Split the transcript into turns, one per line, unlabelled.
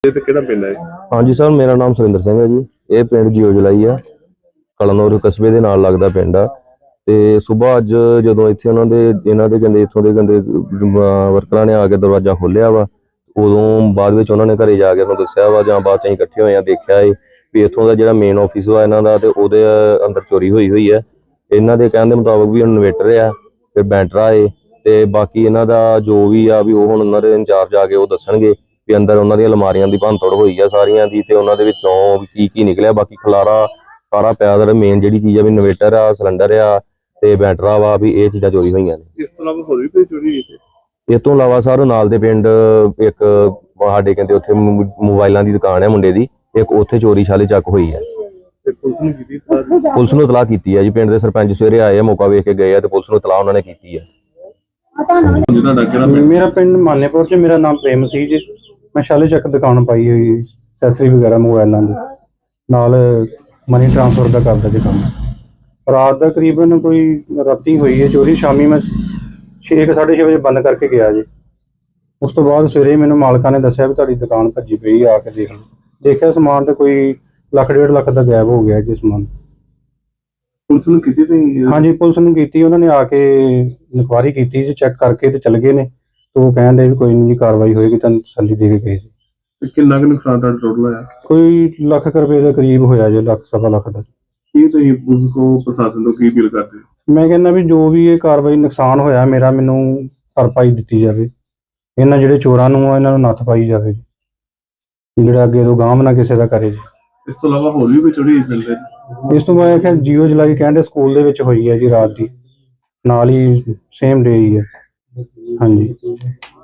ਤੇ ਕਿਹੜਾ ਪਿੰਡ ਹੈ?
ਹਾਂਜੀ ਸਰ, ਮੇਰਾ ਨਾਮ ਸੁਰਿੰਦਰ ਸਿੰਘ ਹੈ ਜੀ। ਇਹ ਪਿੰਡ ਜਿਉ ਜਲਾਈ ਆ, ਕਲਨੌਰ ਕਸਬੇ ਦੇ ਨਾਲ ਲੱਗਦਾ ਪਿੰਡ ਆ। ਤੇ ਸਵੇਰ ਅੱਜ ਜਦੋਂ ਇੱਥੇ ਇਹਨਾਂ ਦੇ ਕਹਿੰਦੇ ਇੱਥੋਂ ਦੇ ਕਹਿੰਦੇ ਵਰਕਰਾਂ ਨੇ ਆ ਕੇ ਦਰਵਾਜ਼ਾ ਖੋਲ੍ਹਿਆ ਵਾ, ਉਦੋਂ ਬਾਅਦ ਵਿੱਚ ਉਹਨਾਂ ਨੇ ਘਰੇ ਜਾ ਕੇ ਉਹਨੂੰ ਦੱਸਿਆ ਵਾ, ਜਾਂ ਬਾਅਦ 'ਚ ਅਸੀਂ ਇਕੱਠੇ ਹੋਏ ਆ ਦੇਖਿਆ ਏ ਵੀ ਇੱਥੋਂ ਦਾ ਜਿਹੜਾ ਮੇਨ ਆਫਿਸ ਵਾ ਇਹਨਾਂ ਦਾ, ਤੇ ਉਹਦੇ ਅੰਦਰ ਚੋਰੀ ਹੋਈ ਹੈ। ਇਹਨਾਂ ਦੇ ਕਹਿਣ ਦੇ ਮੁਤਾਬਕ ਵੀ ਇਨਵੇਟਰ ਆ ਤੇ ਬੈਟਰਾ ਏ, ਤੇ ਬਾਕੀ ਇਹਨਾਂ ਦਾ ਜੋ ਵੀ ਆ ਵੀ ਉਹ ਹੁਣ ਉਹਨਾਂ ਦੇ ਇੰਚਾਰਜ ਆ ਕੇ ਉਹ ਦੱਸਣਗੇ ਵੀ ਅੰਦਰ ਉਹਨਾਂ ਦੀਆਂ ਅਲਮਾਰੀਆਂ ਦੀ ਭੰਨਤੋੜ ਹੋਈ ਆ ਸਾਰੀਆਂ ਦੀ, ਤੇ ਉਹਨਾਂ ਦੇ ਵਿੱਚੋਂ ਕੀ ਨਿਕਲਿਆ। ਬਾਕੀ ਖਲਾਰਾ ਸਾਰਾ ਪਿਆ ਦਾ, ਮੇਨ ਜਿਹੜੀ ਚੀਜ਼ ਆ ਵੀ ਇਨਵੇਟਰ ਆ, ਸਿਲੰਡਰ ਆ ਤੇ ਬੈਟਰਾ ਵਾ, ਵੀ ਇਹ ਚੀਜ਼ਾਂ ਚੋਰੀ ਹੋਈਆਂ ਨੇ।
ਇਸ ਤੋਂ ਇਲਾਵਾ ਹੋਰ ਵੀ ਕੋਈ ਚੋਰੀ ਹੋਈ ਹੈ?
ਇਸ ਤੋਂ ਇਲਾਵਾ ਸਰ ਨਾਲ ਦੇ ਪਿੰਡ ਇੱਕ ਸਾਡੇ ਕਹਿੰਦੇ ਉੱਥੇ ਮੋਬਾਈਲਾਂ ਦੀ ਦੁਕਾਨ ਹੈ ਮੁੰਡੇ ਦੀ, ਇੱਕ ਉੱਥੇ ਚੋਰੀ ਛਾਲੇ ਚੱਕ ਹੋਈ ਹੈ।
ਤੇ
ਪੁਲਿਸ ਨੂੰ ਇਤਲਾਹ ਕੀਤੀ ਹੈ ਜੀ। ਪਿੰਡ ਦੇ ਸਰਪੰਚ ਸਵੇਰੇ ਆਏ ਆ, ਮੌਕਾ ਵੇਖ ਕੇ ਗਏ ਆ, ਤੇ ਪੁਲਿਸ ਨੂੰ ਇਤਲਾਹ ਉਹਨਾਂ ਨੇ ਕੀਤੀ ਹੈ।
ਮੇਰਾ ਪਿੰਡ ਮਾਨੇਪੁਰ ਚ, ਮੇਰਾ ਨਾਮ ਪ੍ਰੇਮ ਸੀ ਜੀ। ਮੈਂ ਛਾਲੇ ਚੱਕ ਦੁਕਾਨ ਪਾਈ ਹੋਈ, ਐਕਸੈਸਰੀ ਵਗੈਰਾ ਮੋਬਾਈਲਾਂ ਦੀ, ਨਾਲ ਮਨੀ ਟ੍ਰਾਂਸਫਰ ਦਾ ਕਰਦਾ ਜੀ ਕੰਮ। ਰਾਤ ਦਾ ਕਰੀਬਨ ਕੋਈ ਰਾਤੀ ਹੋਈ ਹੈ ਚੋਰੀ। ਸ਼ਾਮੀ ਮੈਂ 6:30 ਵਜੇ ਬੰਦ ਕਰਕੇ ਗਿਆ ਜੀ। ਉਸ ਤੋਂ ਬਾਅਦ ਸਵੇਰੇ ਮੈਨੂੰ ਮਾਲਕਾਂ ਨੇ ਦੱਸਿਆ ਵੀ ਤੁਹਾਡੀ ਦੁਕਾਨ ਭੱਜੀ ਪਈ, ਆ ਕੇ ਦੇਖ ਲਓ। ਦੇਖਿਆ ਸਮਾਨ ਤੇ ਕੋਈ 1.5 ਲੱਖ ਦਾ ਗਾਇਬ ਹੋ ਗਿਆ ਜੀ ਸਮਾਨ।
ਪੁਲਿਸ ਨੂੰ ਕੀਤੀ ਤੁਸੀਂ?
ਹਾਂਜੀ, ਪੁਲਿਸ ਨੂੰ ਕੀਤੀ। ਉਹਨਾਂ ਨੇ ਆ ਕੇ ਇਨਕੁਆਇਰੀ ਕੀਤੀ ਜੀ, ਚੈੱਕ ਕਰਕੇ ਤੇ ਚਲ ਗਏ ਨੇ। ਤੇ ਉਹ ਕਹਿੰਦੇ ਵੀ ਕੋਈ ਨਹੀਂ ਜੀ, ਕਾਰਵਾਈ ਹੋਏਗੀ, ਤੁਹਾਨੂੰ ਤਸੱਲੀ ਦੇ ਕੇ ਗਏ ਜੀ।
ਤੇ ਕਿੰਨਾ ਕੁ ਨੁਕਸਾਨ ਦਾ ਟੋਟਲ ਹੋਇਆ?
ਕੋਈ ਲੱਖ ਰੁਪਏ ਦੇ ਕਰੀਬ ਹੋਇਆ ਜੀ, ਲੱਖ ਸਵਾ ਲੱਖ ਦਾ।
ਕੀ ਤੁਸੀਂ ਪੁਲਿਸ ਕੋ ਪ੍ਰਸ਼ਾਸਨ ਤੋਂ ਕੀ ਅਪੀਲ ਕਰਦੇ ਹੋ?
ਮੈਂ ਕਹਿੰਦਾ ਵੀ ਜੋ ਵੀ ਇਹ ਕਾਰਵਾਈ ਨੁਕਸਾਨ ਹੋਇਆ ਮੇਰਾ, ਮੈਨੂੰ ਭਰਪਾਈ ਦਿੱਤੀ ਜਾਵੇ। ਇਹਨਾਂ ਜਿਹੜੇ ਚੋਰਾਂ ਨੂੰ ਆ, ਇਹਨਾਂ ਨੂੰ ਨੱਥ ਪਾਈ ਜਾਵੇ, ਜਿਹੜਾ ਅੱਗੇ ਤੋਂ ਗਾਂਹ ਨਾ ਕਿਸੇ ਦਾ ਕਰੇ ਜੀ।
ਇਸ ਤੋਂ ਇਲਾਵਾ ਹੋਰ ਵੀ ਕੋਈ ਚੋਰੀ ਪਿੰਡ ਦੇ?
ਇਸ ਤੋਂ ਮੈਂ ਕਿਹਾ ਜਿਉ ਜਲਾਈ ਕਹਿੰਦੇ ਸਕੂਲ ਦੇ ਵਿੱਚ ਹੋਈ ਹੈ ਜੀ, ਰਾਤ ਦੀ, ਨਾਲ ਹੀ ਸੇਮ ਡੇ ਹੀ ਹੈ। ਹਾਂਜੀ।